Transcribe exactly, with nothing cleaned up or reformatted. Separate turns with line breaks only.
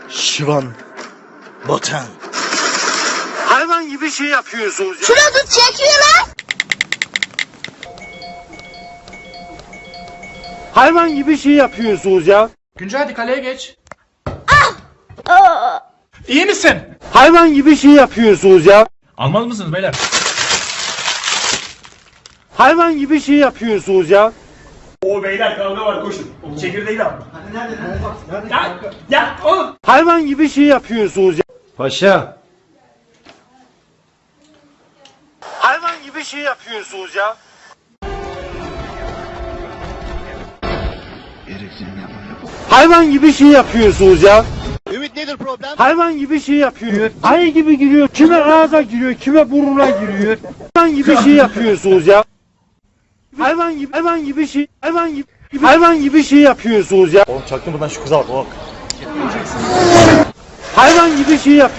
Şivan. Botan.
Hayvan gibi şey yapıyorsunuz ya.
Şurada tut çekiyor lan.
Hayvan gibi şey yapıyorsunuz ya.
Güncel hadi kaleye geç.
Aa.
İyi misin?
Hayvan gibi şey yapıyorsunuz ya.
Almaz mısınız beyler?
Hayvan gibi şey yapıyorsunuz ya.
O beyler kavga var koşun. Çekirdeği de al. Hadi nerede? Nerede? Ya, ya oğlum.
Hayvan gibi şey yapıyorsunuz ya.
Paşa.
Hayvan gibi şey yapıyorsunuz ya. Hayvan gibi şey yapıyorsunuz ya.
Ümit nedir problem?
Hayvan gibi şey yapıyor. Ayı gibi giriyor. Kime ağza giriyor, kime burnuna giriyor. Hayvan gibi şey yapıyorsunuz ya. Hayvan gibi, hayvan gibi şey, hayvan gibi, hayvan gibi şey yapıyorsunuz ya.
Oğlum çaktın buradan şu kıza bak. Bak.
Hayvan gibi şey yapıyor.